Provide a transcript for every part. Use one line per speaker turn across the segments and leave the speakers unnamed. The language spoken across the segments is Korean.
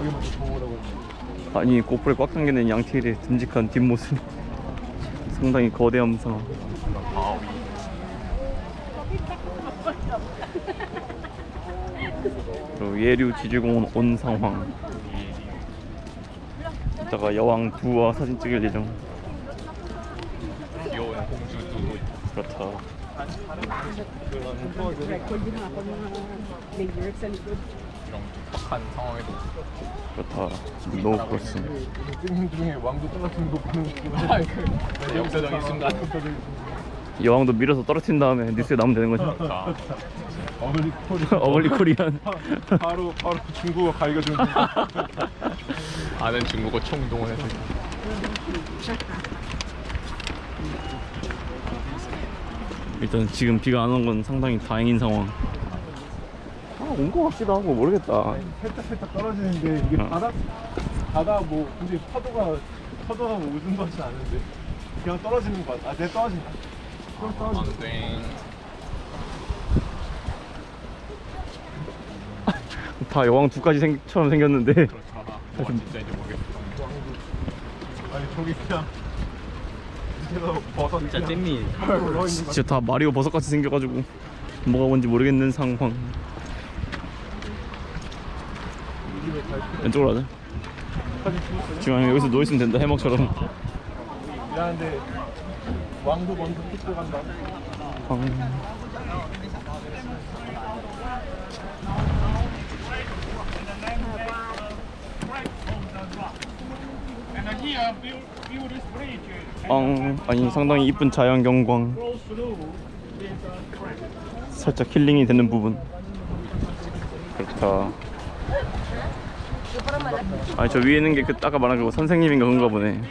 아니 고프로에 꽉 당기는 양티일의 듬직한 뒷모습 상당히 거대함상. 그리고 예류 지주공원 온 상황. 이따가 여왕 두와 사진 찍을 예정.
귀여운 공주 두.
그렇다.
이런 촉박한 상황에도
그렇다. 너무 그렇습니다.
찍는 중에 왕도 떨어지는 거 보는 거.
역사적인 순간.
여왕도 밀어서 떨어뜨린 다음에 뉴스에 나오면 되는 거죠.
자,
어글리 코리안.
어글리 코리안.
바로 중국어 가이가 좀.
아는 중국어 총동원해서
일단 지금 비가 안 온 건 상당히 다행인 상황. 온 거 같기도 하고 모르겠다.
살짝 떨어지는데 이게 바다 뭐 근데 파도가 뭐 웃은 것 같지 않은데 그냥 떨어지는 것 같아. 내 떨어진다. 좀 떨어진다.
안돼.
다 여왕 두까지 처럼 생겼는데.
그렇잖아. 뭐가 진짜인지 모르겠어.
아니 저기 그냥 버섯
진짜 잼미.
진짜 다 마리오 버섯같이 생겨가지고 뭐가 뭔지 모르겠는 상황. 왼쪽으로 가자. 지금 여기서 누워있으면 된다. 해먹처럼.
미안한데 왕도 먼저 픽스 간다.
아니 상당히 이쁜 자연 경광. 살짝 힐링이 되는 부분. 그렇다. 아니 저 위에 있는 게 그 아까 말한 그 선생님인가 그런가 보네.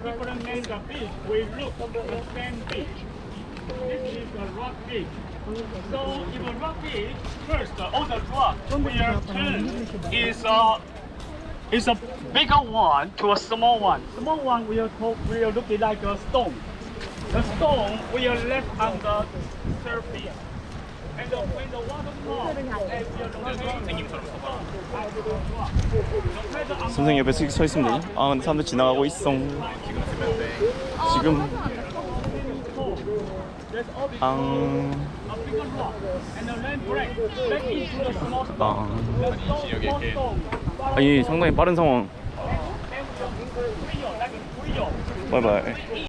So in the rock beach, first all the rock we are turn is a bigger one to a small one. Small one we are looking like a stone. The stone we are left on the surface. And when the water comes, and we are looking
선생님 옆에 서 있으면 되냐? 아 근데 사람들 지나가고 있어. 지금 아니 상당히 빠른 상황. 바이바이.